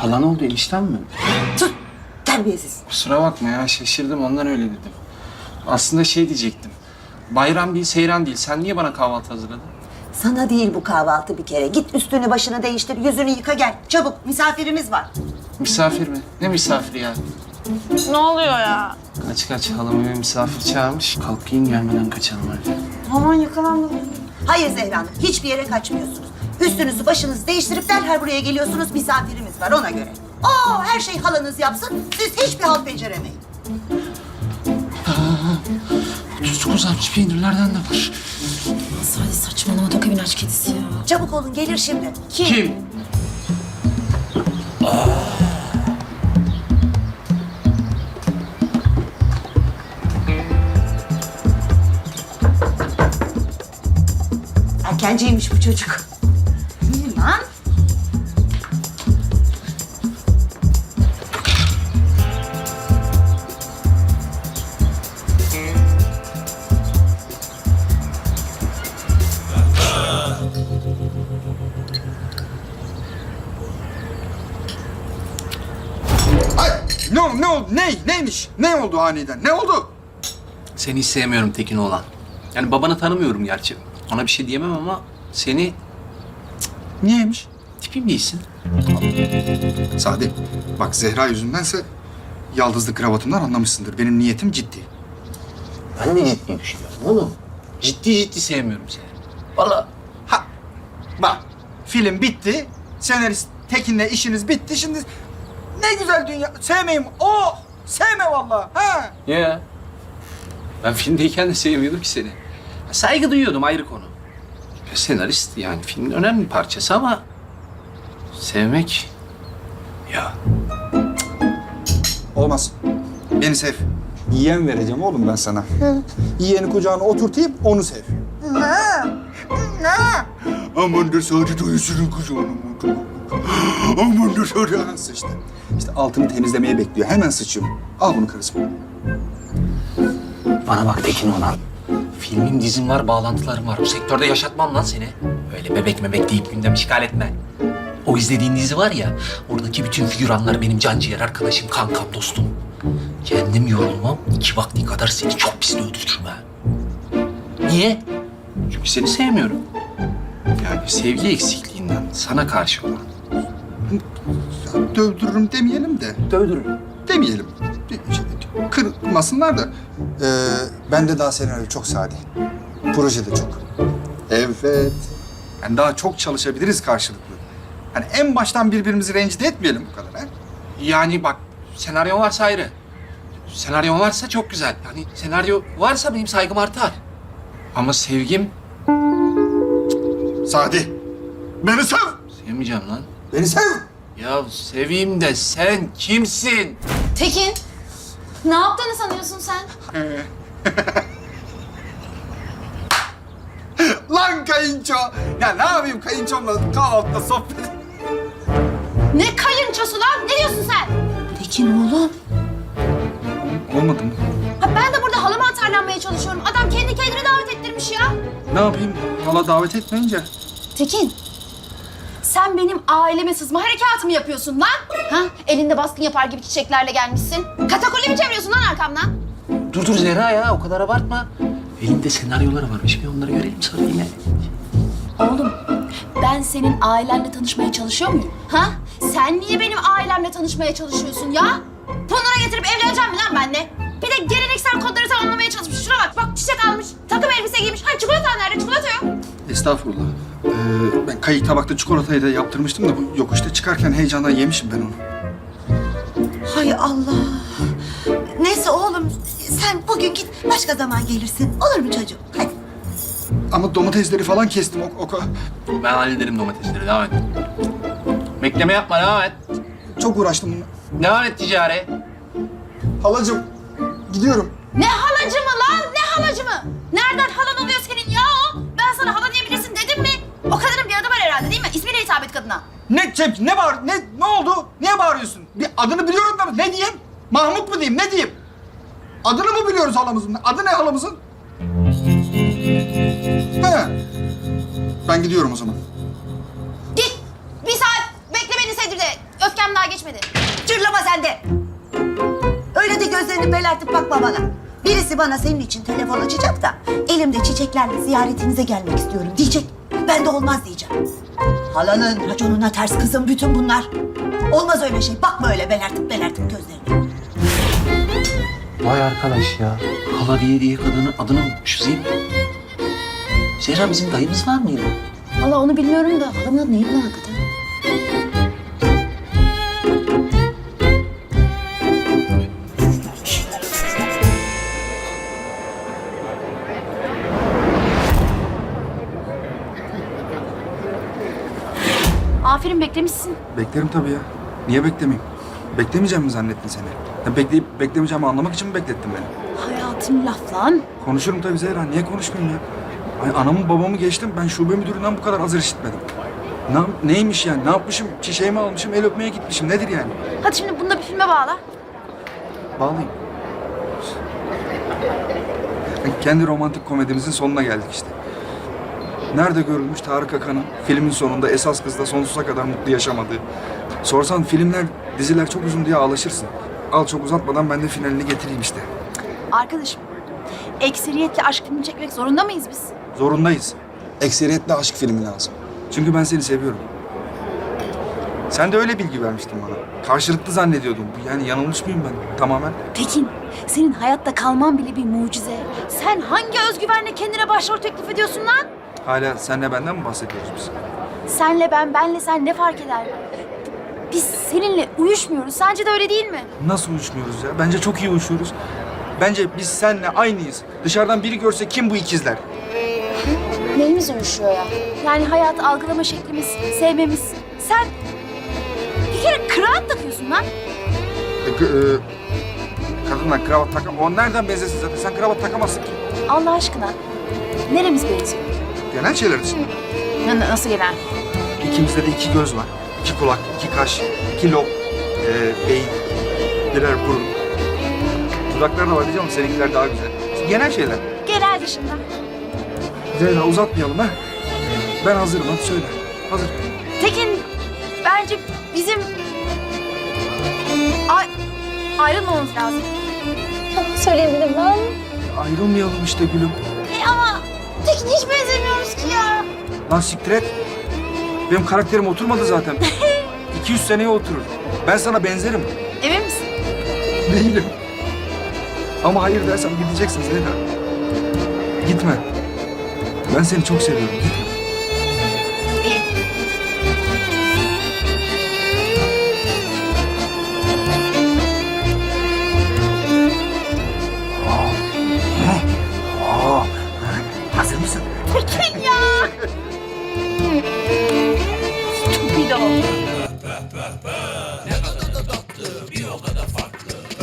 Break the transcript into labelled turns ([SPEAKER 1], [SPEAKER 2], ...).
[SPEAKER 1] Halan oldu, enişten mi?
[SPEAKER 2] Sus! Terbiyesiz.
[SPEAKER 1] Kusura bakma ya, şaşırdım ondan öyle dedim. Aslında şey diyecektim. Bayram değil, seyran değil. Sen niye bana kahvaltı hazırladın?
[SPEAKER 2] Sana değil bu kahvaltı bir kere. Git üstünü başını değiştir, yüzünü yıka gel. Çabuk, misafirimiz var.
[SPEAKER 1] Misafir mi? Ne misafiri ya?
[SPEAKER 3] Ne oluyor ya?
[SPEAKER 1] Kaç, halam eve misafir çağırmış. Kalkayım gelmeden kaçalım hadi.
[SPEAKER 3] Aman yakalandım.
[SPEAKER 2] Hayır Zehra Hanım, hiçbir yere kaçmıyorsunuz. Üstünüzü başınızı değiştirip derhal buraya geliyorsunuz. Misafirimiz var ona göre. Her şey halanız yapsın. Siz hiçbir halt beceremeyin.
[SPEAKER 1] 39 60 peynirlerden de var.
[SPEAKER 3] Sadece saçmalama Tok evin aç kedisi ya.
[SPEAKER 2] Çabuk olun, gelir şimdi.
[SPEAKER 1] Kim?
[SPEAKER 2] Erkenciymiş bu çocuk. Lan.
[SPEAKER 4] Ay, ne oldu? Neymiş? Ne oldu aniden? Ne oldu?
[SPEAKER 1] Seni hiç sevmiyorum Tekin oğlan. Yani babanı tanımıyorum gerçi. Ona bir şey diyemem ama seni
[SPEAKER 4] Niyeymiş?
[SPEAKER 1] tipim değilsin.
[SPEAKER 4] Sadi, bak Zehra yüzündense yaldızlı kravatımdan anlamışsındır. Benim niyetim ciddi.
[SPEAKER 1] Ben de ciddi düşünüyorum oğlum. Ciddi sevmiyorum seni. Vallahi
[SPEAKER 4] Ha, bak film bitti. Senarist Tekin'le işiniz bitti. Şimdi ne güzel dünya. Sevmeyeyim. Oh! Sevme vallahi. Ha?
[SPEAKER 1] ya. Ben filmdeyken de sevmiyordum ki seni. Saygı duyuyordum ayrı konu. Senarist yani filmin önemli bir parçası ama sevmek ya.
[SPEAKER 4] Olmaz. Beni sev. Yeğen vereceğim oğlum ben sana. Yeğeni kucağına oturtayım, onu sev. Aman da Sadi dayısının kucağına otur. Aman da Sadi sıçtı. İşte altını temizlemeye bekliyor. Hemen sıçıyorum. Al bunu karısı.
[SPEAKER 1] Bana bak Tekin olan. Filmim, dizim var, bağlantılarım var. Bu sektörde yaşatmam lan seni. Öyle bebek deyip gündem işgal etme. O izlediğin dizi var ya, oradaki bütün figüranlar benim canciğer arkadaşım, kankam, dostum. Kendim yorulmam, 2 vakti kadar seni çok pis öldürürüm ha. Niye? Çünkü seni sevmiyorum. Yani sevgi eksikliğinden sana karşı olan.
[SPEAKER 4] Dövdürürüm demeyelim de.
[SPEAKER 1] Dövdürürüm.
[SPEAKER 4] Demeyelim. Kırmasınlar da. Ben de daha senaryo çok Sadi. Proje de çok. Evet. Yani daha çok çalışabiliriz karşılıklı. Hani en baştan birbirimizi rencide etmeyelim bu kadar ha.
[SPEAKER 1] Yani bak, senaryo varsa ayrı. Senaryo varsa çok güzel. Yani senaryo varsa benim saygım artar. Ama sevgim
[SPEAKER 4] Sadi. Beni sev.
[SPEAKER 1] sevmeyeceğim lan.
[SPEAKER 4] Beni sev.
[SPEAKER 1] Ya seveyim de sen kimsin?
[SPEAKER 3] Tekin, ne yaptığını sanıyorsun sen?
[SPEAKER 4] Lan kayınço. Ya ne yapayım kayınçomla kahvaltıda sohbet.
[SPEAKER 3] Ne kayınçosu lan? Ne diyorsun sen?
[SPEAKER 2] Tekin oğlum.
[SPEAKER 4] Olmadı mı?
[SPEAKER 3] Ha, ben de burada halama atarlanmaya çalışıyorum. Adam kendi kendine davet ettirmiş ya.
[SPEAKER 4] Ne yapayım? Hala davet etmeyince.
[SPEAKER 3] Tekin, sen benim aileme sızma harekatı mı yapıyorsun lan? Ha? Elinde baskın yapar gibi çiçeklerle gelmişsin. Katakulli mi çeviriyorsun lan arkamdan?
[SPEAKER 1] Dur Zehra ya, o kadar abartma. Elinde senaryoları varmış, bir onları görelim sonra yine.
[SPEAKER 3] Oğlum, ben senin ailenle tanışmaya çalışıyor muyum? Ha? Sen niye benim ailemle tanışmaya çalışıyorsun ya? Bunlara getirip evleneceğim mi lan benimle? Bir de geleneksel kodları tamamlamaya çalışmış. Şuna bak, bak çiçek almış, takım elbise giymiş. Ha çikolata nerede? Çikolata yok.
[SPEAKER 4] Estağfurullah. Ben kayık tabakta çikolatayı da yaptırmıştım da bu yokuşta çıkarken heyecandan yemişim ben onu.
[SPEAKER 2] Hay Allah. Neyse oğlum, sen bugün git, başka zaman gelirsin. Olur mu çocuğum? Hadi.
[SPEAKER 4] Ama domatesleri falan kestim.
[SPEAKER 1] Ben hallederim domatesleri, devam et. Bekleme yapma, devam et.
[SPEAKER 4] Çok uğraştım bununla.
[SPEAKER 1] Devam et ticari.
[SPEAKER 4] Halacığım, gidiyorum.
[SPEAKER 3] Ne halacı mı lan? Ne halacı mı? Nereden halan oluyor senin ya o? Ben sana hala diyebilirsin dedim mi? O kadının bir adı var herhalde değil mi? İsmiyle hitap et kadına.
[SPEAKER 4] Ne oldu? Niye bağırıyorsun? Bir adını biliyorum da ne diyeyim? Mahmut mu diyeyim, ne diyeyim? Adını mı biliyoruz halamızın? Adı ne halamızın? He. Ben gidiyorum o zaman.
[SPEAKER 3] Git. Bir saat bekle beni Sedir'de. Öfkem daha geçmedi.
[SPEAKER 2] sen de. Öyle de gözlerini belertip bakma bana. Birisi bana senin için telefon açacak da elimde çiçeklerle ziyaretinize gelmek istiyorum diyecek. Ben de olmaz diyeceğim. Halanın raconuna ters kızım bütün bunlar. Olmaz öyle şey. Bakma öyle belertip gözlerine.
[SPEAKER 1] Vay arkadaş ya. Hala diye kadının adını unutmuşuz değil mi? Zehra bizim dayımız var mıydı?
[SPEAKER 3] Valla onu bilmiyorum da halamın adı neydi lan hakikaten? Aferin beklemişsin.
[SPEAKER 4] Beklerim tabii ya. Niye beklemeyeyim? Beklemeyeceğim mi zannettin seni? Ya bekleyip beklemeyeceğimi anlamak için mi beklettin beni?
[SPEAKER 3] Hayatım laf lan.
[SPEAKER 4] Konuşurum tabii Zehra. Niye konuşmayayım ya? Ay, anamı babamı geçtim. Ben şube müdüründen bu kadar hazır işitmedim. Neymiş yani? Ne yapmışım? Çiçeğimi almışım, el öpmeye gitmişim. Nedir yani?
[SPEAKER 3] Hadi şimdi bunu da bir filme bağla.
[SPEAKER 4] Bağlayayım. Kendi romantik komedimizin sonuna geldik işte. Nerede görülmüş Tarık Akan'ın filmin sonunda esas kızla sonsuza kadar mutlu yaşamadığı. Sorsan filmler, diziler çok uzun diye ağlaşırsın. Al çok uzatmadan ben de finalini getireyim işte.
[SPEAKER 3] Arkadaşım, ekseriyetle aşk filmi çekmek zorunda mıyız biz?
[SPEAKER 4] Zorundayız. Ekseriyetle aşk filmi lazım. Çünkü ben seni seviyorum. Sen de öyle bilgi vermiştin bana. Karşılıklı zannediyordum. Yani yanılmış mıyım ben tamamen?
[SPEAKER 3] Tekin, senin hayatta kalman bile bir mucize. Sen hangi özgüvenle kendine başrol teklif ediyorsun lan?
[SPEAKER 4] Hala senle benden mi bahsediyoruz biz?
[SPEAKER 3] Senle ben, benle sen ne fark eder? Biz seninle uyuşmuyoruz. Sence de öyle değil mi?
[SPEAKER 4] Nasıl uyuşmuyoruz ya? Bence çok iyi uyuşuyoruz. Bence biz seninle aynıyız. Dışarıdan biri görse kim bu ikizler?
[SPEAKER 3] Neyimiz uyuşuyor ya? Yani hayatı algılama şeklimiz, sevmemiz. Sen bir kere kravat takıyorsun lan.
[SPEAKER 4] Kadınlar kravat takam. O nereden benzesin zaten? Sen kravat takamazsın ki.
[SPEAKER 3] Allah aşkına. Neremiz benziyor?
[SPEAKER 4] Genel şeyler dışında.
[SPEAKER 3] Nasıl genel?
[SPEAKER 4] İkimizde de 2 göz var. 2 kulak, 2 kaş, 2 lob, beyin, birer burun. Dudaklar da var diyeceğim ama seninkiler daha güzel. Genel şeyler.
[SPEAKER 3] Genel dışında.
[SPEAKER 4] Zeyna uzatmayalım ha. Ben hazırım hadi söyle. Hazır.
[SPEAKER 3] Tekin, bence bizim ayrılmamamız lazım. Söyleyebilirim ben.
[SPEAKER 4] Ayrılmayalım işte gülüm.
[SPEAKER 3] Ama Tekin hiç benzemiyoruz ki ya.
[SPEAKER 4] Lan siktir et. Benim karakterim oturmadı zaten. 200 seneye oturur. Ben sana benzerim.
[SPEAKER 3] Emin misin?
[SPEAKER 4] Değilim. Ama hayır dersem gideceksin Zeyna. Gitme. Ben seni çok seviyorum. Gitme.
[SPEAKER 3] İyi.
[SPEAKER 1] Hazır mısın?
[SPEAKER 3] Tekin ya. Stupido.